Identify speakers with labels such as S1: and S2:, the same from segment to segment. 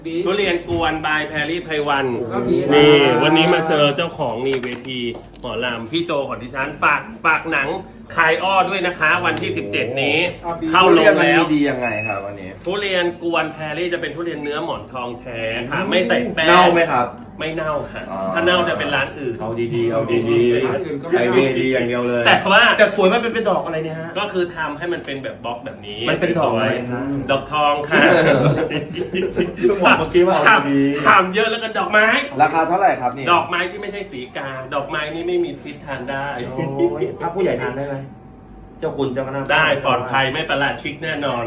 S1: ทุเรียนกวนบายแพรรี่ไพวันนี่วันนี้มาเจอเจ้าของนี่เวทีหมอลำพี่โจของดิฉันฝากหนังคายอ้อด้วยนะคะ วันที่ 17 นี้เข้าลงแล้ว
S2: ดียังไงครับวันนี้
S1: ทุเรียนกวนแพรรี่จะเป็นทุเรียนเนื้อหมอนทองแท้ค่ะไม่แต่งแป้ง
S2: เน่าไหมครับ
S1: ไม่เน่าค่ะถ้าเน่าจะเป็นร้านอื่น
S2: เอาดีๆเอาดีๆไอเวดีอย่างเดียวเลย
S3: แต่สวยมันเป็นดอกอะไรเนี่ยฮะ
S1: ก็คือทำให้มันเป็นแบบบล็อกแบบนี้
S3: มันเป็นดอกอะไรฮะ
S1: ดอกทองค่ะ
S2: บอกเมื่อกี้ว่าเอาดี
S1: ถามเยอะแล้วกันดอกไม้
S2: ราคาเท่าไหร่ครับนี่
S1: ดอกไม้ที่ไม่ใช่สีกาดอกไม้นี่ไม่มีพิษทานได้
S3: ถ้าผู้ใหญ่ทานได้ไหมเจ้าคุณเจ้าคณะ
S1: ได้ปลอดภัยไม่ประหลาดชิกแน่นอน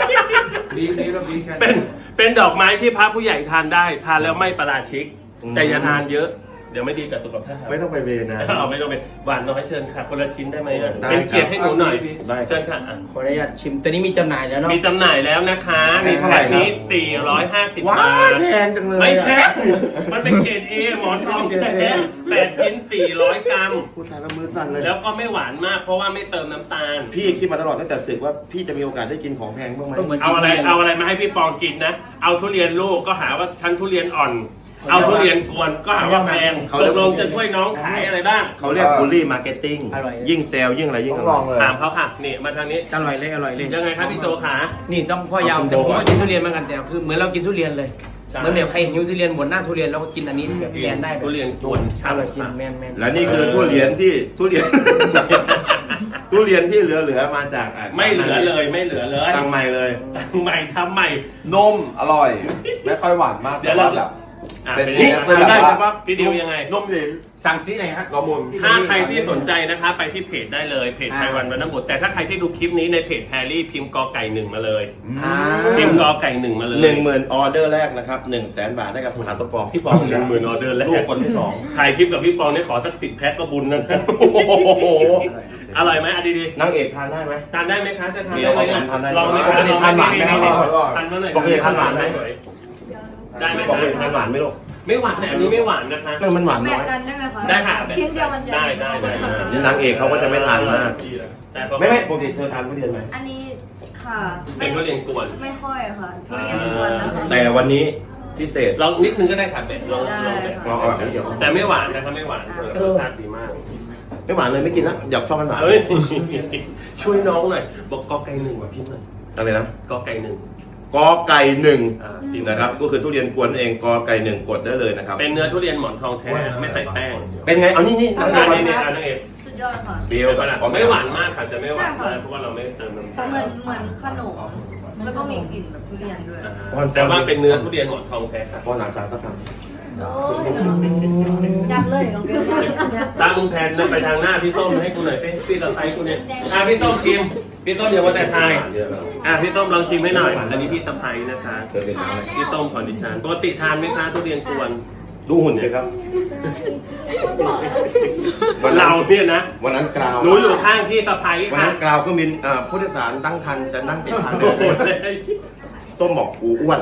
S1: เป็นดอกไม้ที่พระผู้ใหญ่ทานได้ทานแล้วไม่ประหลาดชิกแต่อย่าทานเยอะเดี๋ยวไม่ดีกับสุขภาพ
S2: ไม่ต้องไปเวรนะ
S1: ไม่ต้องไปหวานน้อยเชิญค่ะคนละชิ้นได้ไหมเป็นเกียรติให้หนูหน่อยเชิญค่ะ
S4: ขออนุญาตชิมตัวนี้มีจำหน่ายแล้วเนาะ
S1: มีจำหน่ายแล้วนะคะมีแพ็คนี้450 บาท
S3: แพงจังเลย
S1: ไม่แพงมันเป็นเกรด A หมอนทองแท้8 ชิ้น400 กรัม
S3: พูดไทยแล้วมือสั่นเลย
S1: แล้วก็ไม่หวานมากเพราะว่าไม่เติมน้ำตาล
S3: พี่คิดมาตลอดตั้งแต่ศึกว่าพี่จะมีโอกาสได้กินของแพงบ้างไหม
S1: เอาอะไรมาให้พี่ปองกินนะเอาทุเรียนลูกก็หาว่าชั้นทุเรียนอ่อนเอาทุเรียนกวนก็หาว่าแพงตกลงจะช่วยน้องขายอะไรบ้าง
S3: เขาเรียกบูลลี่มาร์เก็ตติ้งยิ่งเซลยิ่งอะไรยิ่ง
S2: ลองเลย
S1: ถามเขาค่ะนี่มาทางนี้
S4: อร่อยเลย
S1: ยังไงครับพี่โจขา
S4: นี่ต้องพ่อยาวแต่ผมก็กินทุเรียนเหมือนกันแต่คือเหมือนเรากินทุเรียนเลยเหมือนแบบใครหิวทุเรียนบนหน้าทุเรียนแล้วก็กินอันนี้แบบแทนได้
S1: ทุเรียนกวน
S4: อร่อยจริงแม่น
S3: และนี่คือทุเรียนที่ทุเรียนที่เหลือมาจาก
S1: ไม่เหลือเลย
S3: ตั้งใหม่เลย
S1: ทำใหม่
S2: นมอร่อยไม่ค่อยหวานมาก
S1: เดี๋ยวเราแบบ
S2: เป็นนี่เป็นแบบว่า
S1: พี่ดิวยังไง
S2: นมเหลน
S4: สั่งซื้อไหนฮะ
S1: ถ้าใครที่สนใจนะคะไปที่เพจได้เลยเพจไพวันวรรณบุตรแต่ถ้าใครที่ดูคลิปนี้ในเพจแพรรี่พิมพ์กอไก่1มาเลยพิมพ์กอไก่1มาเลย
S3: 10,000 ออเดอร์แรกนะครับ100,000 บาทได้กับคุณหาตัวปองพี่ปอง
S1: 10,000 ออเดอร์แรก
S3: ลูกคนที่
S1: 2ถ่ายคลิปกับพี่ปองนี่ขอสัก10 แพ็คก็บุญนะอร่อยไหมดี
S3: ๆนางเอกทานได้ไหม
S1: ทานได้ไหมคะจะทานได้ไหมลองไหม
S3: ปกติทานหวานไหม
S1: ทานมาหน่อย
S3: ปกติทานหวานไหม
S1: ได้ไหม
S3: ปกติทานหวานไหมลูก
S1: ไม่หวานแต่อันนี้ไม่หวานนะคะ
S3: มันหวานน้อย
S5: กันได้ไหมคะ
S1: ได้ค่ะ
S5: ชิ้นเดียวมันจะ
S1: ได้
S3: นี่นางเอกเขาก็จะไม่ทานมากไม่ปกติเธอทานทุเรียนไหม
S5: อันนี้ค่ะ
S1: เป็นทุเรียนกวน
S5: ไม่ค่อยค่ะทุเรียนกวนนะคะ
S3: แต่วันนี้พิเศษ
S1: ลองนิดนึงก็ได้ค่ะเป็ดลอง
S3: เดี๋ยว
S1: แต่ไม่หวานนะครับไม่หวานรสชาติดีมาก
S3: ไม่หวานเลยไม่กินแล้วอยากชอบมันหวาน
S1: ช่วยน้องหน่อยบอกกอไก่1ว่าพิมพ์หน่อย
S3: อะไรนะ
S1: กอไก่1
S3: กอไก่1นะครับก็คือทุเรียนกวนเองกอไก่1กดได้เลยนะครับ
S1: เป็นเนื้อทุเรียนหมอนทองแท้ไม่ใส่แป้ง
S3: เป็นไงเอานี่
S1: อันนี้
S5: สุดยอดค่ะ
S1: เบียวกันไม่หวานมากค่ะจะไม่หวานเพราะว่าเราไม่เติมน้ำตาล
S5: เหมือนขนมแล้วก็มีกลิ่นแบบทุเรียนด้วย
S1: แต่ว่าเป็นเนื้อทุเรียนหมอนทองแท้ค่ะ
S3: พอหนาจานสักคำ
S5: ยักเลยลองดู
S1: ตาลุงแทนไปทางหน้าพี่ต้มให้กูหน่อยพี่ตะไคร้กูเนี่ยพี่ต้มชิมพี่ต้มอย่ามาแต่ทายพี่ต้มลองชิมให้หน่อยอันนี้พี่ตะไคร้นะคะพี่ต้มคอนดิชันปกติทานไหมคะทุเรียนกวน
S3: ดูหุ่นเลยครับ
S1: เราเนี่ยนะ
S3: วันนั้นกราว
S1: หนูอยู่ข้างพี่ตะไคร้ค่ะ
S3: วันนั้นกราวก็มีผู้โดยสารตั้งคันจะนั่งติดคันส้มบอกกูอ้วน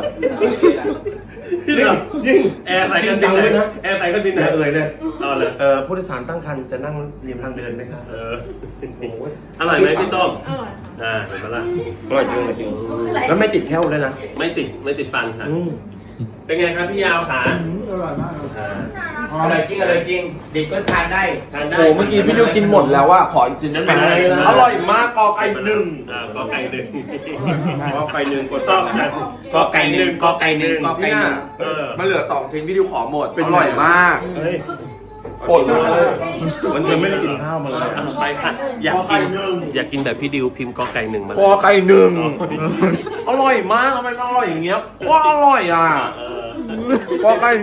S3: ยิ่ง
S1: แอร์ใส่กันดินเลยนะแอร์ใส่กันดิน
S3: เลยเลย
S1: เอาเลย
S3: ผู้โดยสารตั้งคันจะนั่งริมทางเดินไหมครับ
S1: อร่อยไหมพี่ต้มเห็นปะล่ะ
S3: อร่อยจริงแล้วไม่ติดแค่วเลยนะ
S1: ไม่ติดฟันค่ะเป็นไงครับพี่ยาวขา
S4: อร่อยมากอร่อยจริงเด็กก็ทานได้
S2: โอ้เมื่อกี้พี่ดิวกินหมดแล้วว่าขออีกชิ้นได้ไหมอร่อยมากกอไก่1
S1: กอไก่1
S3: กอไก่1กด
S1: ต้อง
S4: กอไก่1
S2: มันเหลือ2 ชิ้นพี่ดิวขอหมดอร่อยมากปดเลย
S3: มันจะไม่ได้กินข้าวมาเลย
S1: ไปค่ะอยากกินแบบพี่ดิวพิมพ์กอไก่1มาก
S2: อไก่1อร่อยมากทำไมอร่อยอย่างเงี้ยว่าอร่อยกอไก่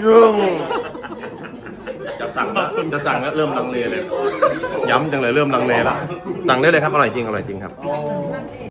S3: จะสั่งแล้วเริ่มลังเลเลยย้ำจังเลยเริ่มลังเลแล้วสั่งได้เลยครับอร่อยจริงครับ